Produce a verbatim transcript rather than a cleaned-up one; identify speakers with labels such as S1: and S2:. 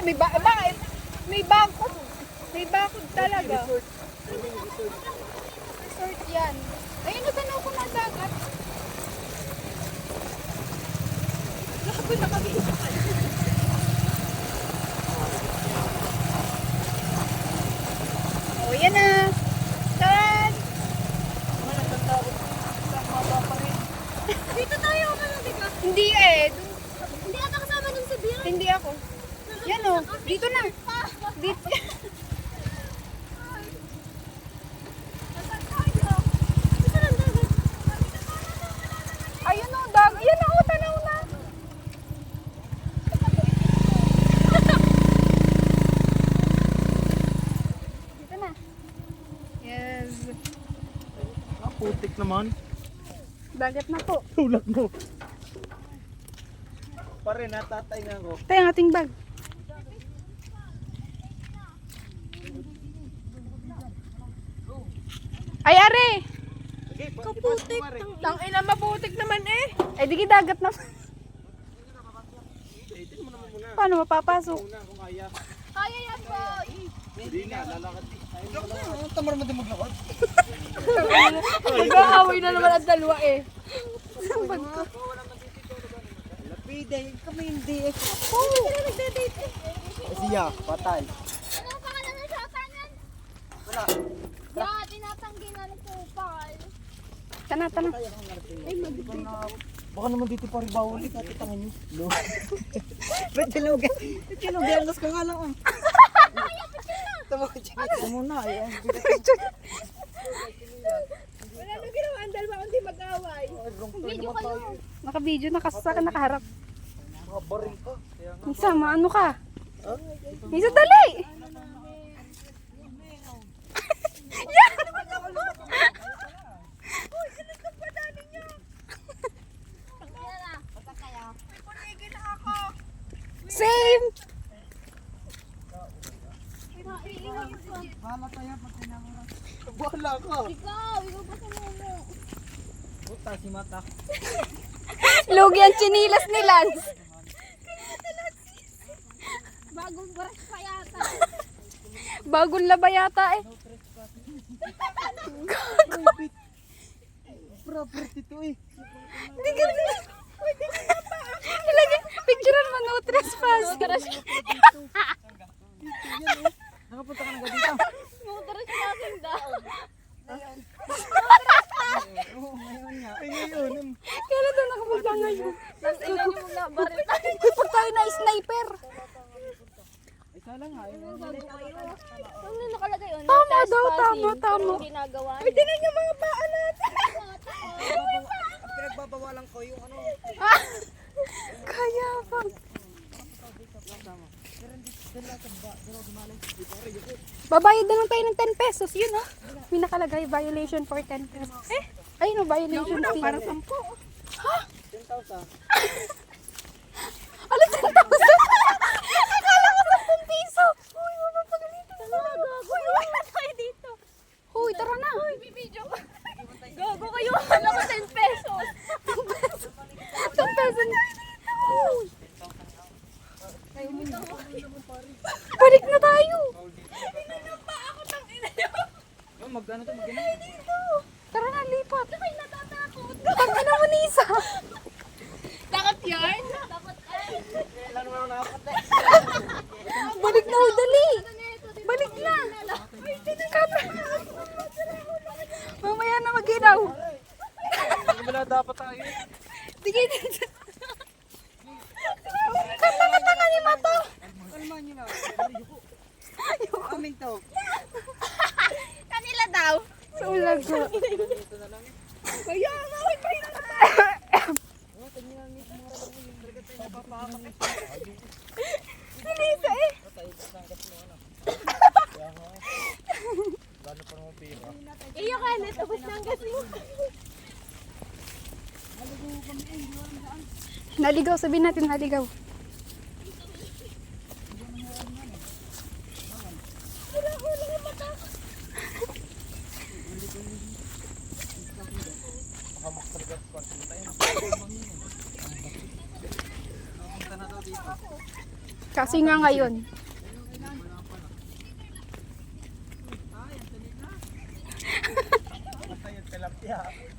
S1: May ba bakit? May bakod. May bakod talaga. Resort yan. Ayun, natanaw ko ng dagat. Labo na kami. O, yan na. Tan!
S2: Dito tayo, ano, di ba?
S1: Hindi eh. Dun-
S2: Hindi ata kasama dun sa beer.
S1: Hindi ako. Yan o. Dito na. Dito. Ayun o, dag. Yan o, tanaw na. Dito na. Yes.
S3: Ah, putik naman.
S1: Dagat na po.
S3: Tulak mo. Pare, natatay nga ako.
S1: Tayo ang ating bag. Ay, are!
S3: Sige,
S2: Kaputik.
S1: Tang ina, maputik naman eh. Ay, di dagat na.
S3: Itin mo naman muna.
S1: Paano mapapasok?
S3: Muna kung kaya.
S2: Kaya yan, boy.
S3: Hindi na, lalakad. Ay, tamar mo din maglakad.
S1: Mag-aaway na naman ang dalawa eh.
S3: Lapide, kami hindi eh.
S2: Oo. Sila nagde-date eh.
S3: Siya, patay.
S2: Ano ang pangalan ng shota niyan?
S3: Wala.
S2: Yeah, tinatanggi na ng kupal.
S1: Tana, tana.
S3: Baka naman dito pa rin bawal eh, katitangan nyo. No. Ba't sinugan? Ba't sinugan? Nas ka nga lang ah. Tama ko dyan. Tama na eh.
S1: Wala nang ginawa ang dalawa kundi mag-aaway.
S2: Video kayo.
S1: Naka-video, nakasaka, nakaharap.
S3: Mga baril ka.
S1: Isa, maano ka? Isa, dali! Yan! Same!
S3: Bahala tayo pag pinanguran. Bahala ka.
S2: Ikaw, ikaw ba sa mumo?
S3: Puta si mata.
S1: Lugi ang chinilas ni Lance.
S2: Bagong brush pa yata.
S1: Bagong laba yata eh.
S3: Property to eh.
S1: Hindi ka Ilagay, picturean mo, no trespass.
S3: Nakapunta ka na ba dito?
S2: Motoras natin daw.
S3: Oo, ngayon nga. Ay, ngayon.
S1: Kailan doon nakapunta ngayon?
S2: Tapos ilan yung mga baril tayo.
S1: Pag tayo na sniper.
S3: Ay, sala nga.
S2: Ano na nakalagay yun?
S1: Tama daw, tama, tama.
S2: Ginagawa
S1: Ay, tinan yung mga paa natin.
S3: Pinagbabawalan ko yung ano.
S1: Ah, kaya pa. Babayad na lang tayo ng ten pesos. Yun ha. May nakalagay violation for ten pesos. Eh, ayun o, violation fee. Para sampo. Ha?
S3: ten thousand.
S1: Ano ten thousand? Akala ko ten piso. Uy, wala pa ganito.
S2: Uy, wala tayo dito.
S1: Uy, tara na.
S2: Uy, bibidyo ko. Gago kayo. Alam ko ten pesos.
S1: ten pesos. Uy. Balik na tayo.
S3: Oh, mag ano to, mag ano?
S1: Tara na, lipat.
S2: Ay, natatakot.
S1: Tangina mo, Nisa.
S2: Takot yarn? Takot ay.
S3: Kailan naman ako nakakata?
S1: Balik na, oh, dali. Balik na. Kata. Mamaya na mag-inaw.
S3: Wala dapat tayo.
S1: Sige, dito. Tanga-tanga ni Mato.
S3: Kalman nyo na. Amin to.
S2: Kanila daw.
S1: Sa ulag ko.
S2: Kaya nga, may pahinga na.
S1: Si Lisa eh.
S2: Iyo ka, natapos na ang gas mo.
S1: Naligaw, sabihin natin naligaw. Kasi nga ngayon,
S3: Basta yung tilapia.